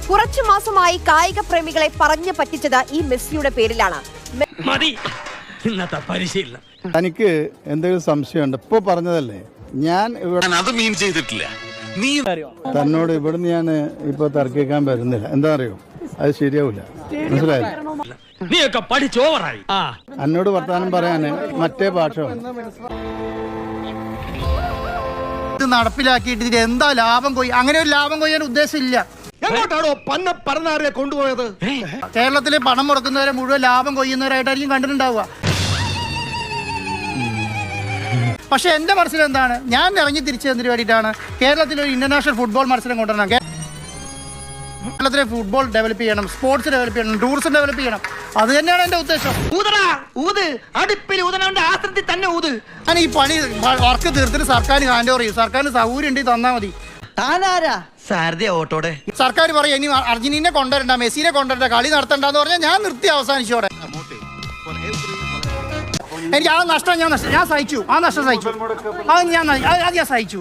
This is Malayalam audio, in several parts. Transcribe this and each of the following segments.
കുറച്ചു മാസമായി കായിക പ്രേമികളെ പറഞ്ഞു പറ്റിച്ചത് ഈ മെസ്സിയുടെ പേരിലാണ്. തനിക്ക് എന്തെങ്കിലും സംശയമുണ്ട്? ഇപ്പൊ പറഞ്ഞതല്ലേ, ഞാൻ അത് മീൻ ചെയ്തിട്ടില്ല. നീ തന്നോട് ഇവിടുന്ന് ഞാൻ ഇപ്പൊ തർക്കിക്കാൻ വരുന്നില്ല. എന്താ അറിയോ, അത് ശരിയാവില്ല. മനസ്സിലായില്ല? നീയൊക്കെ പഠിച്ചോവറായി. എന്നോട് വർത്താനം പറയാന് മറ്റേ ഭാഷ ഇത് നടപ്പിലാക്കിയിട്ട് ഇതിൽ എന്താ ലാഭം കൊയ്യ? അങ്ങനെ ഒരു ലാഭം കൊയ്യാൻ ഉദ്ദേശമില്ല. എങ്ങോട്ടാണോ പന്ന പറന്നാറിയെ കൊണ്ടുപോയത്? കേരളത്തിലെ പണം മുടക്കുന്നവരെ മുഴുവൻ ലാഭം കൊയ്യുന്നവരായിട്ടായിരിക്കും കണ്ടിട്ടുണ്ടാവുക. പക്ഷെ എന്റെ മനസ്സിൽ എന്താണ്, ഞാൻ ഇറങ്ങി തിരിച്ചതിന് വേണ്ടിയിട്ടാണ് കേരളത്തിൽ ഒരു ഇന്റർനാഷണൽ ഫുട്ബോൾ മത്സരം കൊണ്ടുവരണം. കേരളത്തിലെ ഫുട്ബോൾ ഡെവലപ്പ് ചെയ്യണം, സ്പോർട്സ് ഡെവലപ്പ് ചെയ്യണം, ടൂറിസം ഡെവലപ്പ് ചെയ്യണം. അത് തന്നെയാണ് എന്റെ ഉദ്ദേശം. ഞാൻ ഈ പണി വർക്ക് തീർത്തിട്ട് സർക്കാരിന് ഹാൻഡ് ഓവർ ചെയ്യും. സർക്കാരിന് സൗകര്യം ഉണ്ടെങ്കിൽ തന്നാൽ മതി. സർക്കാർ പറയും ഇനി അർജന്റീനെ കൊണ്ടുവരണ്ട, മെസ്സിനെ കൊണ്ടുവരണ്ട, കളി നടത്തണ്ടെന്ന് പറഞ്ഞാൽ ഞാൻ നിർത്തി അവസാനിച്ചോടെ. എനിക്ക് ആ നഷ്ടം ഞാൻ സഹിച്ചു. ആ നഷ്ടം സഹിച്ചു. അത് ഞാൻ സഹിച്ചു.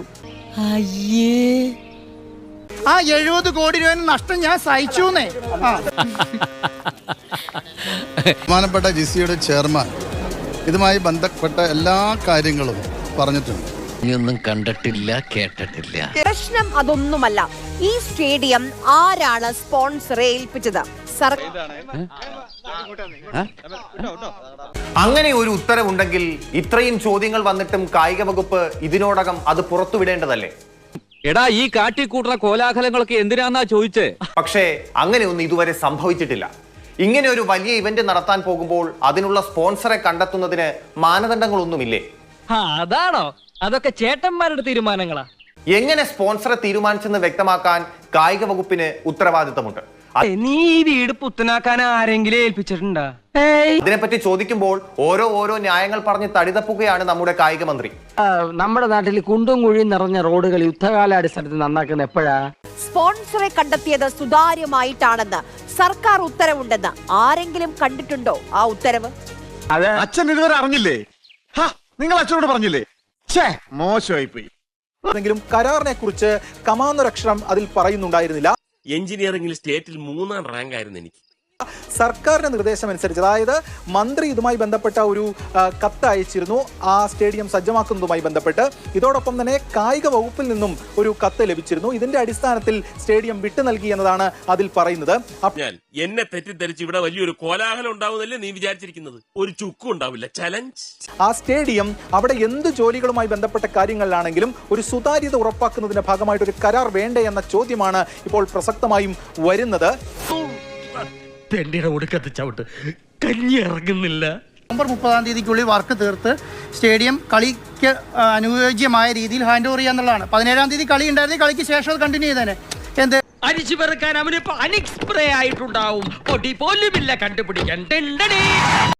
ആ 70 കോടി രൂപ നഷ്ടം ഞാൻ സഹിച്ചു. ബഹുമാനപ്പെട്ട ജിസിയുടെ ചെയർമാൻ ഇതുമായി ബന്ധപ്പെട്ട എല്ലാ കാര്യങ്ങളും പറഞ്ഞിട്ടുണ്ട്. ഒന്നും കണ്ടിട്ടില്ല, കേട്ടിട്ടില്ല. പ്രശ്നം അതൊന്നുമല്ല. ഈ സ്റ്റേഡിയം ആരാണ് സ്പോൺസറെ ഏൽപ്പിച്ചത്? അങ്ങനെ ഒരു ഉത്തരവുണ്ടെങ്കിൽ ഇത്രയും ചോദ്യങ്ങൾ വന്നിട്ടും കായിക വകുപ്പ് ഇതിനോടകം അത് പുറത്തുവിടേണ്ടതല്ലേ? എടാ, ഈ കാട്ടിക്കൂട്ടുന്ന കോലാഹലങ്ങളൊക്കെ എന്തിനാന്നാ ചോദിച്ചേ? പക്ഷേ അങ്ങനെയൊന്നും ഇതുവരെ സംഭവിച്ചിട്ടില്ല. ഇങ്ങനെ ഒരു വലിയ ഇവന്റ് നടത്താൻ പോകുമ്പോൾ അതിനുള്ള സ്പോൺസറെ കണ്ടെത്തുന്നതിന് മാനദണ്ഡങ്ങളൊന്നുമില്ലേ? അതാണോ? അതൊക്കെ ചേട്ടന്മാരുടെ തീരുമാനങ്ങളാ. എങ്ങനെ സ്പോൺസറെ തീരുമാനിച്ചെന്ന് വ്യക്തമാക്കാൻ കായിക വകുപ്പിന് ഉത്തരവാദിത്തമുണ്ട്. നീ ഈ വീട് പുത്തനാക്കാൻ ആരെങ്കിലും ഏൽപ്പിച്ചിട്ടുണ്ടാ? ഇതിനെപ്പറ്റി ചോദിക്കുമ്പോൾ ഓരോ ന്യായങ്ങൾ പറഞ്ഞ് തടിതപ്പുകയാണ് നമ്മുടെ കായിക മന്ത്രി. നമ്മുടെ നാട്ടിൽ കുണ്ടും കുഴിയും നിറഞ്ഞ റോഡുകൾ യുദ്ധകാലാടിസ്ഥാനത്തിൽ നന്നാക്കുന്ന എപ്പോഴാ? സ്പോൺസറെ കണ്ടെത്തിയത് സുതാര്യമായിട്ടാണെന്ന് സർക്കാർ ഉത്തരവുണ്ടെന്ന് ആരെങ്കിലും കണ്ടിട്ടുണ്ടോ? ആ ഉത്തരവ് അച്ഛൻ ഇതുവരെ അറിഞ്ഞില്ലേ? നിങ്ങൾ അച്ഛനോട് പറഞ്ഞില്ലേ? മോശമായി പോയി. കരാറിനെ കുറിച്ച് കമാന്നൊരക്ഷരം അതിൽ പറയുന്നുണ്ടായിരുന്നില്ല. എഞ്ചിനീയറിംഗിൽ സ്റ്റേറ്റിൽ 3ാം റാങ്ക് ആയിരുന്നു എനിക്ക്. സർക്കാരിന്റെ നിർദ്ദേശം അനുസരിച്ച്, അതായത് മന്ത്രി ഇതുമായി ബന്ധപ്പെട്ട ഒരു കത്ത് അയച്ചിരുന്നു ആ സ്റ്റേഡിയം സജ്ജമാക്കുന്നതുമായി ബന്ധപ്പെട്ട്. ഇതോടൊപ്പം തന്നെ കായിക വകുപ്പിൽ നിന്നും ഒരു കത്ത് ലഭിച്ചിരുന്നു. ഇതിന്റെ അടിസ്ഥാനത്തിൽ സ്റ്റേഡിയം വിട്ടു നൽകി എന്നതാണ് അതിൽ പറയുന്നത്. എന്നെ തെറ്റിദ്ധരിച്ച് ഇവിടെ വലിയൊരു കോലാഹലം ഉണ്ടാവുന്നല്ലേ നീ വിചാരിച്ചിരിക്കുന്നത്? ഒരു ചുക്കും ഉണ്ടാവില്ല. ചലഞ്ച്. ആ സ്റ്റേഡിയം അവിടെ എന്ത് ജോലികളുമായി ബന്ധപ്പെട്ട കാര്യങ്ങളിലാണെങ്കിലും ഒരു സുതാര്യത ഉറപ്പാക്കുന്നതിന്റെ ഭാഗമായിട്ട് ഒരു കരാർ വേണ്ടേ എന്ന ചോദ്യമാണ് ഇപ്പോൾ പ്രസക്തമായും വരുന്നത്. തെണ്ടിയുടെ ഒടുക്കത്ത് ചവിട്ട് കഞ്ഞി ഇറങ്ങുന്നില്ല. നവംബർ 30-ാം തീയതിക്കുള്ളിൽ വർക്ക് തീർത്ത് സ്റ്റേഡിയം കളിക്ക് അനുയോജ്യമായ രീതിയിൽ ഹാൻഡ് ഓവർ ചെയ്യാന്നുള്ളതാണ്. 17-ാം തീയതി കളി ഉണ്ടായിരുന്നെങ്കിൽ കളിക്ക് ശേഷം അത് കണ്ടിന്യൂ ചെയ്തേനെ. എന്ത് അരിച്ചു പെറുക്കാൻ അവനിപ്പോ അനിക്സ്പ്രേ ആയിട്ടുണ്ടാവും. പൊടി പോലുമില്ല കണ്ടുപിടിക്കാൻ.